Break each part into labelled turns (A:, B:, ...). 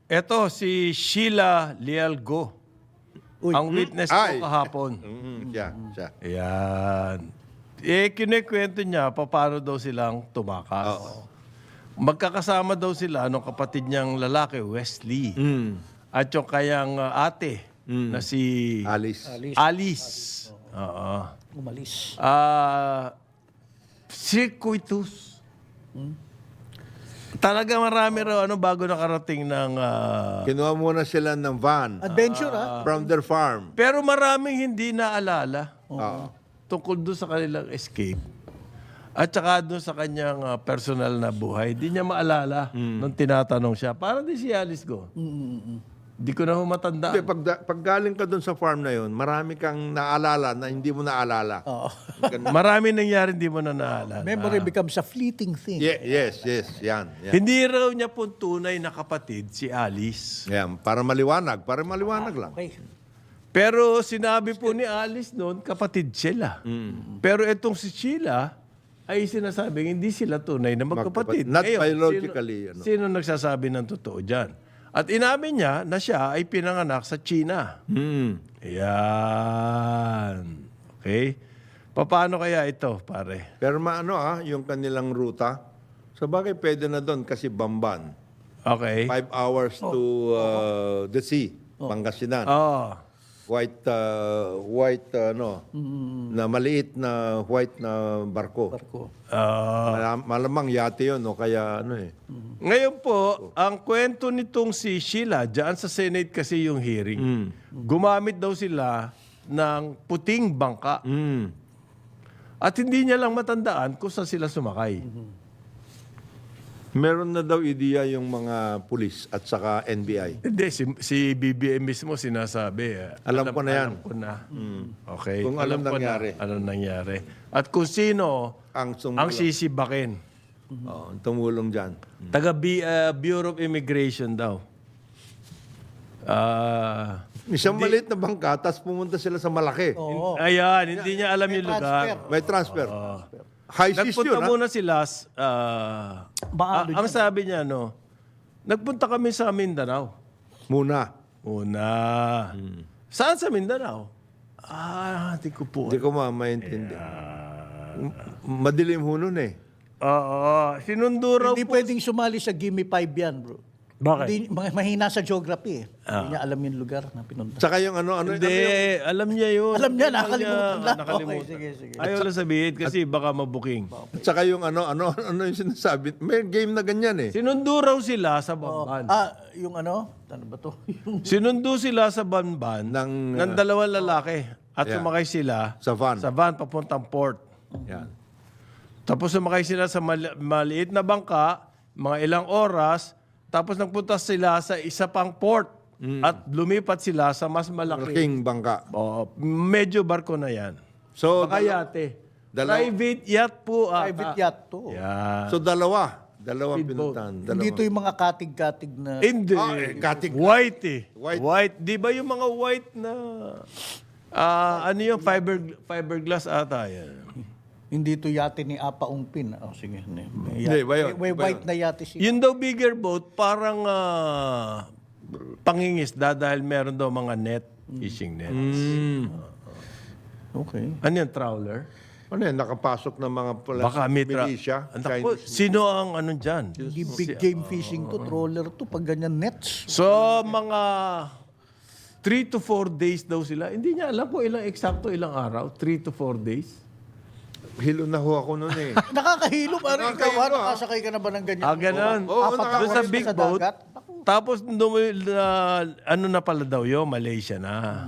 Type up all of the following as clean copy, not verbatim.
A: Eto, si Sheila Lialgo. Ang witness ko kahapon.
B: Siya.
A: Ayan. Kinikwento niya paano daw silang tumakas. Magkakasama daw sila nung kapatid niyang lalaki, Wesley. At yung kayang ate na si Alice. Oo.
C: Umalis.
A: Circuitous. Talaga marami raw bago nakarating ng...
B: Kinuha muna sila ng van
C: Adventure,
B: from their farm.
A: pero maraming hindi naalala
B: Oo.
A: tungkol doon sa kanilang escape. At saka doon sa kanyang personal na buhay. Di niya maalala nung tinatanong siya. Para di si Alice ko. Di ko na matanda.
B: Hindi, pag galing ka dun sa farm na yun, marami kang naalala na hindi mo naalala.
C: Oo.
A: Marami nangyari hindi mo na naalala.
C: Memory becomes a fleeting thing.
B: Yes. Yan.
A: Hindi raw niya po tunay na kapatid si Alice.
B: Yan. Para maliwanag lang.
C: Okay.
A: Pero sinabi po ni Alice noon, kapatid sila. Pero itong si Sheila ay sinasabing hindi sila tunay na magkapatid.
B: Not
A: Ngayon,
B: biologically.
A: Sino nagsasabi ng totoo dyan? At inamin niya na siya ay pinanganak sa China. Ayan. Okay? Paano kaya ito, pare?
B: Pero yung kanilang ruta, sa bagay pwede na doon kasi Bamban.
A: Okay.
B: 5 hours to the sea, Pangasinan.
A: Oh.
B: White, na maliit na white na barko. Malamang yate yun, o kaya
A: Ngayon po, ang kwento nitong si Sheila, dyan sa Senate kasi yung hearing, gumamit daw sila ng puting bangka. At hindi niya lang matandaan kung saan sila sumakay.
B: Meron na daw ideya yung mga pulis at saka NBI.
A: Hindi, si BBM mismo sinasabi.
B: Alam ko na yan.
A: Alam ko na. Okay.
B: Kung alam
A: ko
B: nangyari.
A: Na, anong nangyari. At kung sino ang sisibakin.
B: Tumulong dyan.
A: Taga Bureau of Immigration daw.
B: Isang maliit na bangka, tapos pumunta sila sa malaki.
A: Ayan, hindi niya alam yung lugar.
B: May transfer. High seas yun,
A: Nagpunta muna sila, ang sabi niya, nagpunta kami sa Mindanao.
B: Muna.
A: Saan sa Mindanao? Hindi ko po.
B: Hindi ko maintindihan. Madilim ho nun eh.
A: Oo. Sinundo raw
C: Hindi pwedeng sumali sa Gimme 5 yan, bro.
A: Bakit?
C: Hindi, mahina sa geography eh. Hindi niya alam yung lugar na pinunta.
B: Saka yung
A: Hindi, alam niya yun.
C: Alam niya, nakalimutan lang.
A: Nakalimutan.
C: Okay, sige.
A: Ayaw lang sabihin kasi baka mabuking.
B: Saka yung ano yung sinasabi. May game na ganyan eh.
A: Sinundo raw sila sa Bamban.
C: Yung ano ba to?
A: Sinundo sila sa Bamban ng dalawang lalaki at sumakay sila
B: Sa van.
A: papuntang port.
B: Yan.
A: Tapos sumakay sila sa maliit na bangka, mga ilang oras, tapos nagpunta sila sa isa pang port at lumipat sila sa mas malaki.
B: Malaking bangka.
A: Medyo barko na yan.
B: So,
A: Baka yate. Private yacht po.
C: Private yacht to.
A: Yeah.
B: so dalawa
A: Speedboat.
B: pinuntahan.
C: Hindi to yung mga katig-katig na...
A: Hindi.
B: katig.
A: White eh.
B: White.
A: Di ba yung mga white na... ano yung fiberglass ata yan?
C: Hindi to yate ni Apa Ungpin. Sige.
B: Hindi, ba yun?
C: May white na yate siya.
A: Yun daw bigger boat, parang pangingisda dahil meron daw mga net, fishing nets.
C: Okay.
A: Ano yung trawler?
B: Ano yan? Nakapasok ng mga
A: Baka may
B: militia.
A: Naku, sino ang ano dyan?
C: Hindi big game fishing to, trawler to, pag ganyan nets.
A: So, mga 3 to 4 days daw sila. Hindi niya alam kung ilang araw. 3 to 4 days.
B: Hilo na ho ako noon eh.
C: Nakakahilo, parang ikaw,
B: Nakakahilo,
C: nakasakay ka na ba ng ganyan?
A: Ganun. Doon sa big boat. Tapos, ano na pala daw yun? Malaysia na.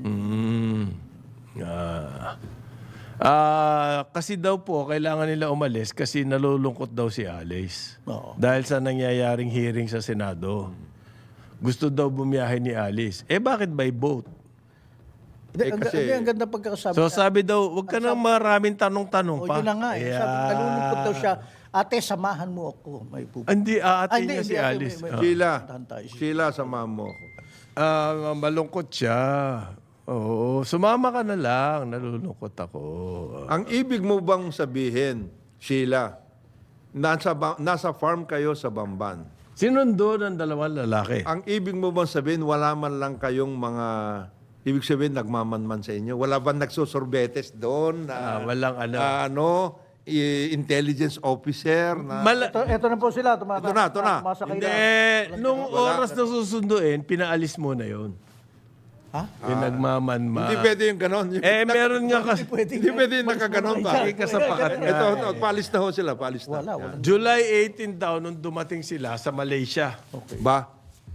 A: Kasi daw po, kailangan nila umalis kasi nalulungkot daw si Alice. Dahil sa nangyayaring hearing sa Senado. Gusto daw bumiyahe ni Alice. Bakit by boat?
C: Ang ganda pagkakasabi.
A: So sabi daw, wag ka nang maraming tanong-tanong pa.
C: Yun na nga. Sabi, nalulungkot daw siya. Ate, samahan mo ako. May pupunta.
A: Hindi, ate niya si Alice.
B: Sheila, samahan mo ako.
A: Malungkot siya. Oo, sumama ka na lang. Nalulungkot ako.
B: Ang ibig mo bang sabihin, Sheila, nasa farm kayo sa Bamban.
A: Sinundo ng dalawang lalaki.
B: Ang ibig mo bang sabihin, wala man lang kayong mga, ibig sabihin, nagmamanman sa inyo? Wala bang nagsusorbetes doon?
A: Walang ano.
B: Intelligence officer? Na,
C: Ito na po sila.
B: Ito na.
C: Tumasakay
A: Hindi,
C: na.
A: nung oras na susunduin, pinaalis mo na yun.
C: Ha?
A: Yung nagmamanma.
B: hindi pwede yung ganon.
A: Meron nga kasi.
B: Hindi pwede yung nakaganon ba?
A: Hindi ka sa pakat nga.
B: Ito, palis na ho sila, palis na.
C: Wala.
A: July 18 daw nung dumating sila sa Malaysia.
B: Ba?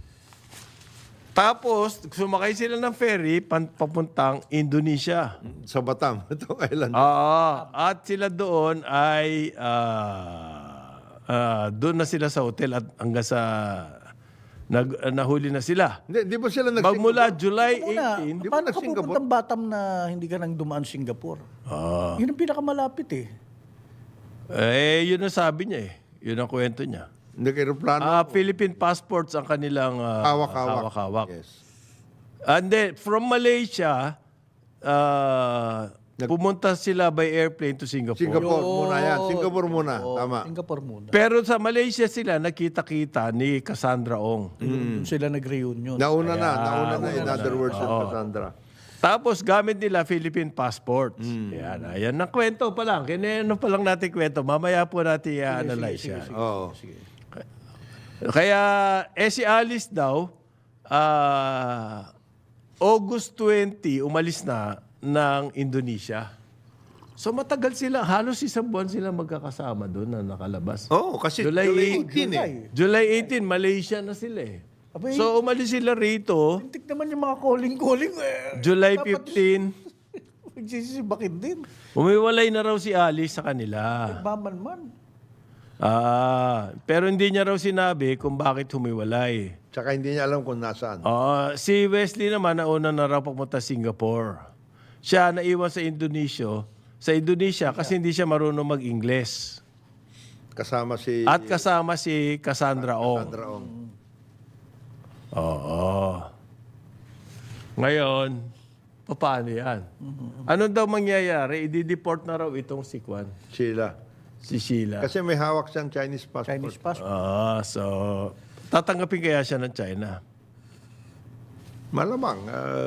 A: Tapos, sumakay sila ng ferry papuntang Indonesia.
B: Sa Batam, itong island.
A: At sila doon ay doon na sila sa hotel at hanggang sa nahuli na sila.
B: Hindi, di ba sila
A: Magmula July
C: Muna,
A: 18,
B: Di ba
C: paano ka
B: nag-Singapore?
C: pupuntang Batam na hindi ka nang dumaan Singapore? Yun ang pinakamalapit eh.
A: yun ang sabi niya eh. Yun ang kwento niya.
B: Nag-aeroplano.
A: Philippine passports ang kanilang hawak-hawak.
B: Yes.
A: And then, from Malaysia, pumunta sila by airplane to Singapore.
B: Singapore muna yan. Singapore muna. Tama.
C: Singapore muna.
A: Pero sa Malaysia sila, nakita-kita ni Cassandra Ong.
C: Doon sila nag-reunion.
B: Nauna na. In other words, Cassandra.
A: Tapos gamit nila Philippine passports. Yan ang kwento pa lang. Kineno pa lang natin kwento. Mamaya po natin i-analyze yan.
B: Oo.
A: Kaya, si Alice daw, August 20, umalis na ng Indonesia. So matagal sila, halos isang buwan sila magkakasama doon na nakalabas.
B: Oo, kasi
A: July
B: July 18 eh.
A: July 18, Malaysia na sila eh.
C: Abay,
A: So umalis sila rito,
C: tintik naman yung mga calling eh.
A: July 15,
C: Magsisibakin din.
A: umiwalay na raw si Alice sa kanila.
C: Maman-man.
A: Pero hindi niya raw sinabi kung bakit humiwalay.
B: Tsaka hindi niya alam kung nasaan.
A: Si Wesley naman, nauna na raw papunta Singapore. Siya naiwan sa Indonesia kasi hindi siya marunong mag-Ingles.
B: Kasama si
A: At kasama si Cassandra Ong.
B: Cassandra Ong.
A: Oo. Ngayon, paano yan? Ano daw mangyayari? I-deport na raw itong si Kwan,
B: Sheila.
A: si Sheila.
B: Kasi may hawak siyang Chinese passport.
C: Chinese passport.
A: So, tatanggapin kaya siya ng China?
B: Malamang.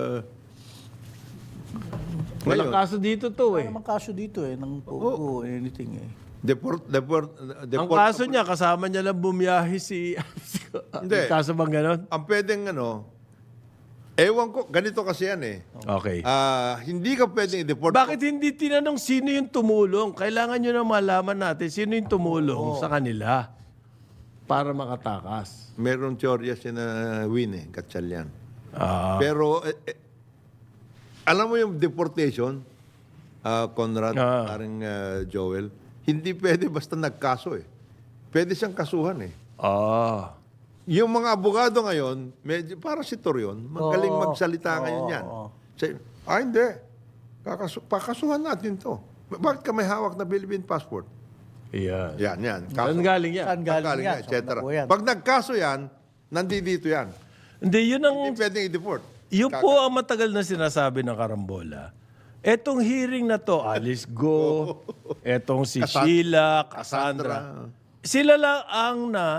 A: Walang kaso dito to eh.
C: Wala namang kaso dito eh, ng pogo, anything eh.
B: Deport.
A: Ang kaso niya, kasama niya lang bumiyahe si...
B: Hindi.
A: Kaso bang ganon?
B: Ang pwedeng ewan ko, ganito kasi yan eh.
A: Okay.
B: Hindi ka pwedeng i-deport.
A: Bakit hindi tinanong sino yung tumulong? Kailangan nyo na malaman natin sino yung tumulong sa kanila para makatakas.
B: Meron teorya si na Win eh, Gatchalian. Pero, alam mo yung deportation, Conrad, parang Joel, hindi pwede basta nagkaso eh. Pwede siyang kasuhan eh. Yung mga abogado ngayon, medyo, para si Torion, magaling magsalita ngayon yan. Say, hindi. Pakasuhan natin to. Bakit ka may hawak na Philippine passport?
A: Yan.
B: Yan.
A: Saan galing yan?
C: Saan galing yan?
B: et cetera.
C: Saan na po yan?
B: Pag nagkaso yan, nandito yan.
A: Hindi, yun ang...
B: Hindi pwedeng i-deport.
A: Yun po ang matagal na sinasabi ng Karambola. Etong hearing na to, Alice Go, etong si Sheila, Cassandra, sila lang ang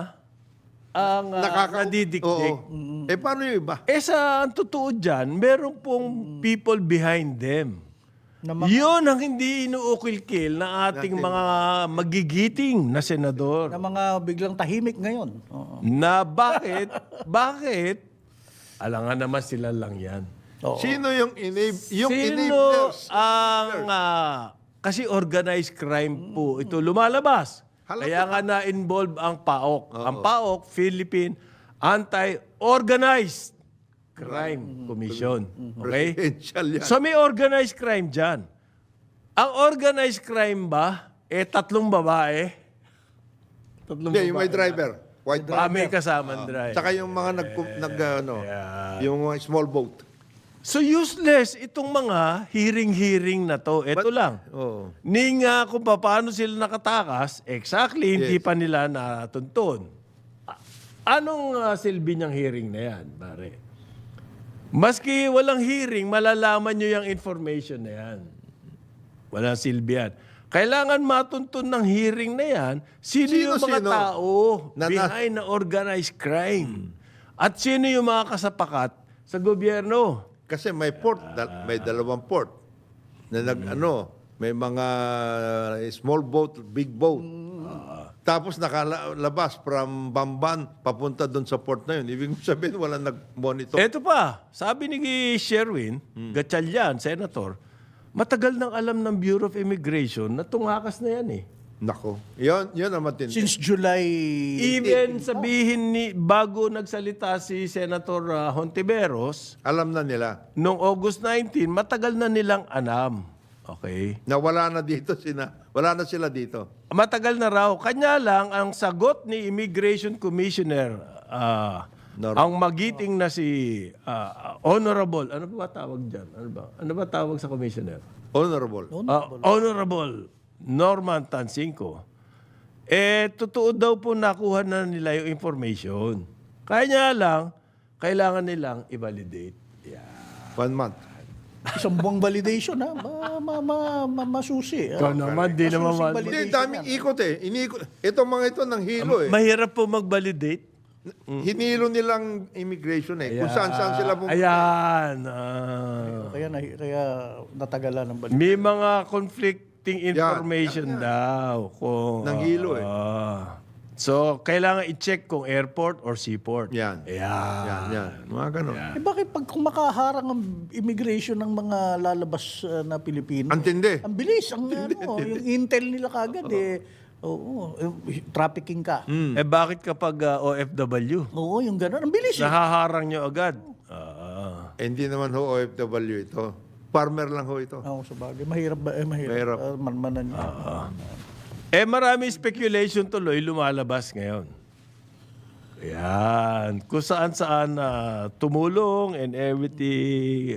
A: nadidikdik.
B: Oo. Paano yung iba?
A: Sa ang totoo dyan, meron pong people behind them.
C: Na
A: Yun ang hindi inuukil-kil ng ating mga magigiting na senador.
C: na mga biglang tahimik ngayon. Oo.
A: Na bakit? Alangan naman sila lang yan.
B: Sino yung
A: Sino
B: enablers?
A: ang... kasi organized crime po ito lumalabas. Kaya nga na-involve ang PAOK. Ang PAOK, Philippine Anti-Organized Crime Commission. Okay?
B: Presidential yan.
A: So may organized crime dyan. Ang organized crime ba, tatlong babae?
B: Hindi, yung may driver. White driver.
A: May kasamang drive.
B: Tsaka yung mga yung mga small boat.
A: So useless itong mga hearing na to. Ito lang.
B: Oo.
A: Kung paano sila nakatakas, exactly, hindi pa nila natuntun. Anong silbi niyang hearing na yan, pare? Maski walang hearing, malalaman nyo yung information na yan. Walang silbi yan. Kailangan matuntun ng hearing na yan, sino yung mga
B: Sino-sino?
A: tao
B: Na-
A: behind na organized crime. At sino yung mga kasapakat sa gobyerno.
B: Kasi may port, may dalawang port na may mga small boat, big boat. Tapos nakalabas from Bamban papunta doon sa port na yun. Ibig sabihin walang nag-monitor.
A: Eto pa, sabi ni Sherwin Gatchalian, Senator, matagal nang alam ng Bureau of Immigration na tungakas na yan eh.
B: Nako. Yun ang matindi.
C: Since July...
A: Even sabihin bago nagsalita si Senator Hontiveros,
B: Alam na nila
A: noong August 19, matagal na nilang alam. Okay?
B: na wala na sila dito.
A: Matagal na raw. Kanya lang, ang sagot ni Immigration Commissioner, ang magiting na si Honorable, ano ba tawag dyan? Ano ba tawag sa Commissioner?
B: Honorable.
A: Honorable Norman Tansinko, totoo daw po nakuha na nila yung information. Kaya lang, kailangan nilang i-validate. Yeah.
B: 1 month.
C: Isang buwang validation, ha? Masusi.
A: Ikaw naman, di naman
C: Masusing
B: Hindi, daming ikot eh. Itong mga ito nang hilo eh.
A: Mahirap po mag-validate.
B: Hinilo nilang immigration eh. Kung saan sila pumunta.
A: Ayan.
C: Kaya natagalan ng validation.
A: May mga conflicting information daw. Kung,
B: Nanghilo eh.
A: So, kailangan i-check kung airport or seaport.
B: Yan.
A: Ayan.
B: Yan. Mga ganon.
C: Bakit kung makaharang ang immigration ng mga lalabas na Pilipino?
B: Antindi.
C: Ang bilis. Yung intel nila kagad trafficking ka.
A: Bakit kapag OFW?
C: Oo, yung gano'n. Ang bilis.
A: Nahaharang nyo agad.
B: Hindi naman ho OFW ito. Farmer lang ho ito.
C: Oo, sa bagay. Mahirap ba? Mahirap.
B: Mahirap.
C: Manmanan niya.
A: Marami speculation tuloy lumalabas ngayon. Ayan. Kung saan-saan tumulong and everything.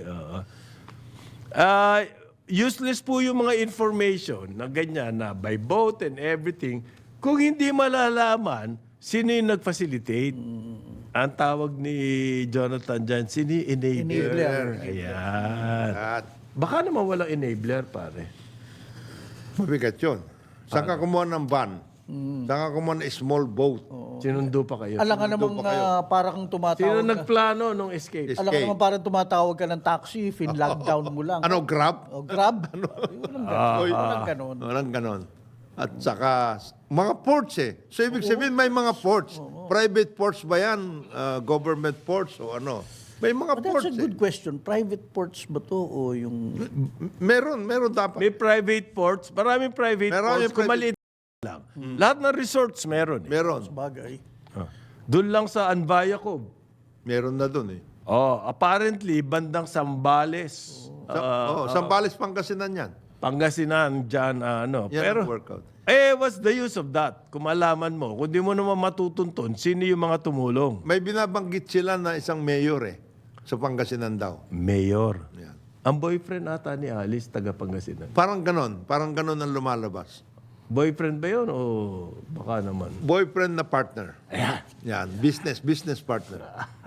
A: Useless po yung mga information na ganyan na by boat and everything kung hindi malalaman sino yung nag-facilitate. Ang tawag ni Jonathan dyan, sino yung enabler? Ayan.
B: At
A: Baka naman walang enabler, pare.
B: mabigat yun. Saan ka kumuha ng van? Saan ka kumuha ng small boat?
A: Sinundo pa kayo.
C: Alam ka namang parang tumatawag
A: Sino
C: ka.
A: nagplano nung escape?
C: Alam ka naman parang tumatawag ka ng taxi, fin-lockdown mo lang.
B: Ano, Grab?
C: O, Grab? Walang ganon.
B: Walang ganon. At saka, mga ports eh. So, ibig sabihin, may mga ports. Private ports ba yan? Government ports o ano? May mga
C: But
B: ports
C: that's a good question. Private ports ba to o yung...
B: Meron dapat.
A: May private ports. Maraming private
B: Maraming
A: ports. Kung
B: private-
A: maliit lang. Lahat ng resorts meron.
B: Meron.
C: Bagay.
A: Doon lang sa Anbayacob.
B: Meron na dun eh.
A: Apparently, bandang Sambales.
B: Sambales, Pangasinan yan.
A: Pangasinan, dyan,
B: Yan
A: Pero,
B: ang workout.
A: what's the use of that? Kung malaman mo, kung di mo naman matutuntun, sino yung mga tumulong?
B: May binabanggit sila na isang mayor eh. Sa Pangasinan daw.
A: Mayor.
B: Yan.
A: Ang boyfriend ata ni Alice, taga Pangasinan.
B: Parang ganon ang lumalabas.
A: Boyfriend ba yun o baka naman?
B: Boyfriend na partner.
A: Ayan.
B: Yan, business partner.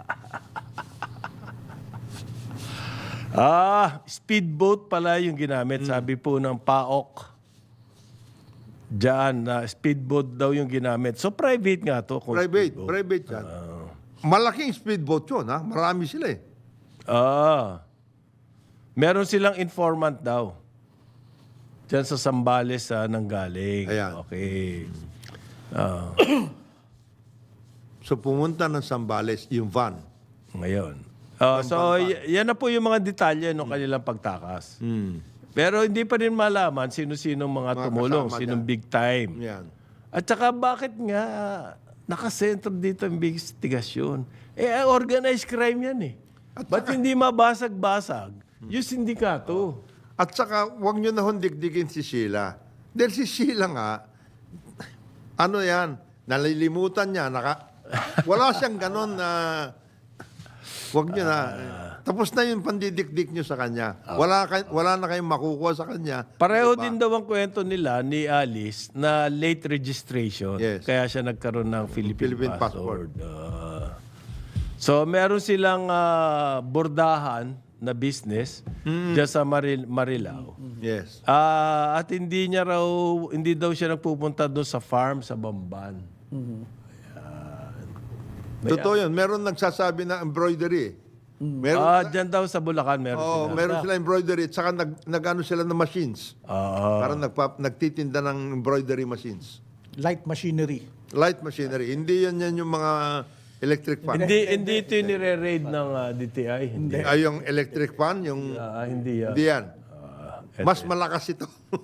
A: Speedboat pala yung ginamit. Sabi po ng PAOK. Diyan, speedboat daw yung ginamit. So, private nga to. kung speedboat.
B: Private yan. Malaking speedboat yun, ha? Marami sila eh.
A: Meron silang informant daw. Diyan sa Sambales nanggaling.
B: Ayan.
A: Okay.
B: So pumunta ng Sambales, yung van.
A: Ngayon. Yan na po yung mga detalye ng kanilang pagtakas. Pero hindi pa rin malaman sino-sino mga tumulong,
B: kasama
A: sinong
B: dyan.
A: big time.
B: Yan.
A: At saka bakit nga nakasentro dito ang investigasyon? Organized crime yan eh. Ba't hindi mabasag-basag yung sindikato?
B: At saka, huwag nyo na hondigdigin si Sheila. Dahil si Sheila nga, ano yan, nalilimutan niya, wala siyang ganon na, huwag nyo na, tapos na yung pandidikdik nyo sa kanya. Wala na kayong makukuha sa kanya.
A: Pareho din daw ang kwento nila ni Alice na late registration.
B: Yes.
A: Kaya siya nagkaroon ng Philippine
B: passport.
A: passport. So, meron silang bordahan na business dyan sa Marilao.
B: Yes.
A: At hindi daw siya nagpupunta doon sa farm sa Bamban.
B: Totoo yun. Meron nagsasabi na embroidery. Meron,
A: Dyan daw sa Bulacan meron sila.
B: meron sila embroidery at saka nag-ano sila ng machines. Parang nagtitinda ng embroidery machines.
C: Light machinery.
B: Light machinery. Hindi yan yung mga electric fan.
A: Hindi ito yung nire-raid ng DTI. Hindi.
B: Ay, yung electric fan, yung...
A: Hindi.
B: Hindi yan. Mas malakas ito.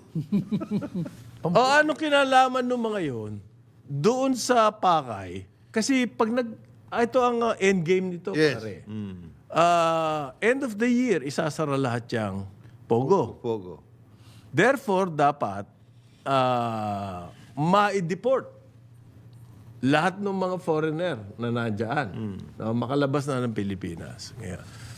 A: Ano kinalaman ng mga yun? Doon sa Pakay, kasi pag ito ang end game nito,
B: Yes.
A: pare. End of the year, isasara lahat yung Pogo.
B: Pogo.
A: Therefore, dapat ma-deport lahat ng mga foreigner na nandyan na makalabas na ng Pilipinas. Ngayon,